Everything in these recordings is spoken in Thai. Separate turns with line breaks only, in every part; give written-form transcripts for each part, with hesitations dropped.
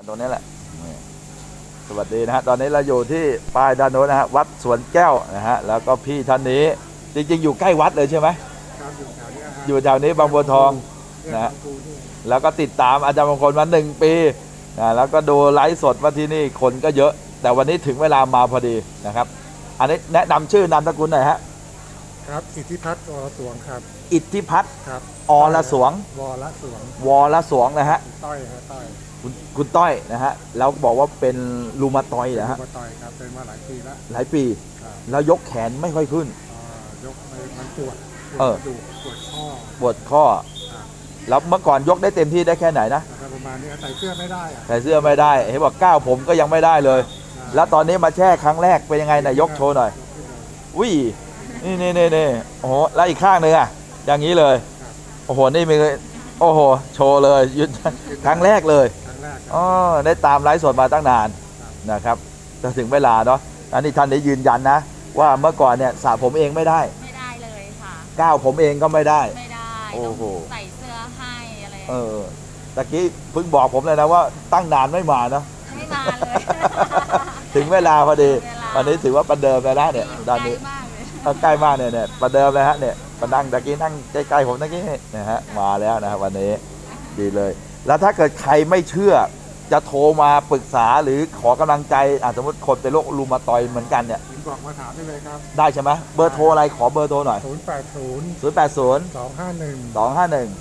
ตรงนี้แหละนี่สวัสดีนะฮะตอนนี้เราอยู่ที่ป้ายด้านโน้นนะฮะวัดสวนแก้วนะฮะแล้วก็พี่ท่านนี้จริงๆอยู่ใกล้วัดเลยใช่ไหม
ครับอยู่แถวนี้ครับ
อยู่แถวนี้บางบัวทองนะฮะแล้วก็ติดตามอาจารย์มงคลมา1 ปีนะแล้วก็ดูไลฟ์สดว่าที่นี่คนก็เยอะ แต่วันนี้ถึงเวลามาพอดีนะครับอันนี้แนะนำชื่อนามสกุลหน่อยฮะ
ครับอิทธิพัฒน์วรสวงครับ
อิทธิพัฒน์
ครับ
อรสวง
วรสวง
วรสวงนะฮะ
ต้อยครับต้อย
คุณต้อยนะฮะแล้วบอกว่าเป็นรูมาตอยด์นะฮะ
มาต้อยครับเป็นมาหลายปีแล้ว
หลายปี
ครับ
แล้วยกแขนไม่ค่อยขึ้น
ยกมันปวดดูปวดข้อ
ปวดข้อแล้วเมื่อก่อนยกได้เต็มที่ได้แค่ไหนนะ
ประมาณนี้ใส่เสื้อไม่ได้
ใส่เสื้อไม่ได้เห็นบอกก้าวผมก็ยังไม่ได้เลยแล้วตอนนี้มาแช่ครั้งแรกเป็นยังไงนะยกโชว์หน่อยอุ้ยนี่โอ้โหแล้วอีกข้างหนึ่งอ่ะอย่างนี้เลยโอ้โหนี่มีโอ้โหโชว์เลยยุดครั้งแรกเลยอ๋อได้ตามไลฟ์สดมาตั้งนานนะครับจะถึงเวลาเนาะอันนี้ท่านได้ยืนยันนะว่าเมื่อก่อนเนี่ยสระผมเองไม่ได้
เลยค่ะ
ก้าวผมเองก็ไม่ได้
โอ้โหใส่เสื้อให้อะไร
ตะกี้เพิ่งบอกผมเลยนะว่าตั้งนานไม่มาเนาะ
ไม่มาเลย
ถึงเวลาพอดีวันนี้ถือว่าประเดิมแล้วนะเนี่ยด้านนี้ใกล้มากเนี่ยประเดิมเลยฮะเนี่ยประดังตะกี้นั่งใกล้ๆผมตะกี้นะฮะมาแล้วนะครับวันนี้ดีเลยแล้วถ้าเกิดใครไม่เชื่อจะโทรมาปรึกษาหรือขอกำลังใจสมมติคนเป็นโรครูมาตอยด์เหมือนกันเนี่ย
บอกมาถามได้เลยครับ
ได้ใช่ไหมเบอร์โทรอะไรขอเบอร์โทรหน่อย
080 251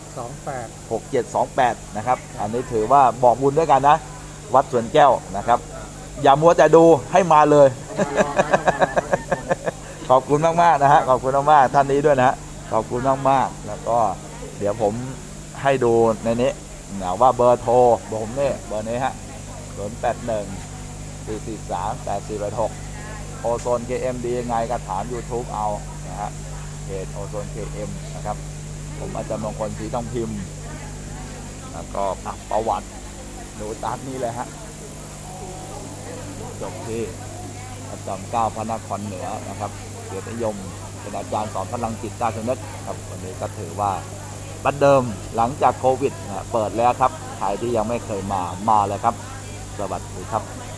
6728
นะครับอันนี้ถือว่าบอกบุญด้วยกันนะวัดสวนแก้วนะครับอย่ามัวแต่ดูให้มาเลยขอบคุณมากๆนะฮะขอบคุณมากๆท่านนี้ด้วยนะฮะขอบคุณมากๆแล้วก็เดี๋ยวผมให้ดูในนี้นะว่าเบอร์โทรผมเนี่ยเบอร์นี้ฮะ081 443 8486โอโซน KM ดียังไงก็ถาม YouTube เอานะฮะเพจโอโซน KM นะครับผมอาจารย์มงคลศรีต้องพิมพ์แล้วก็ประวัติดูตามนี้เลยฮะจบที่อาจารย์9 พระนครเหนือนะครับเกียรตินิยมเป็นอาจารย์สอนพลังจิตใต้สำนึกครับวันนี้ก็ถือว่าบัดเดิมหลังจากโควิดเปิดแล้วครับใครที่ยังไม่เคยมาเลยครับสวัสดีครับ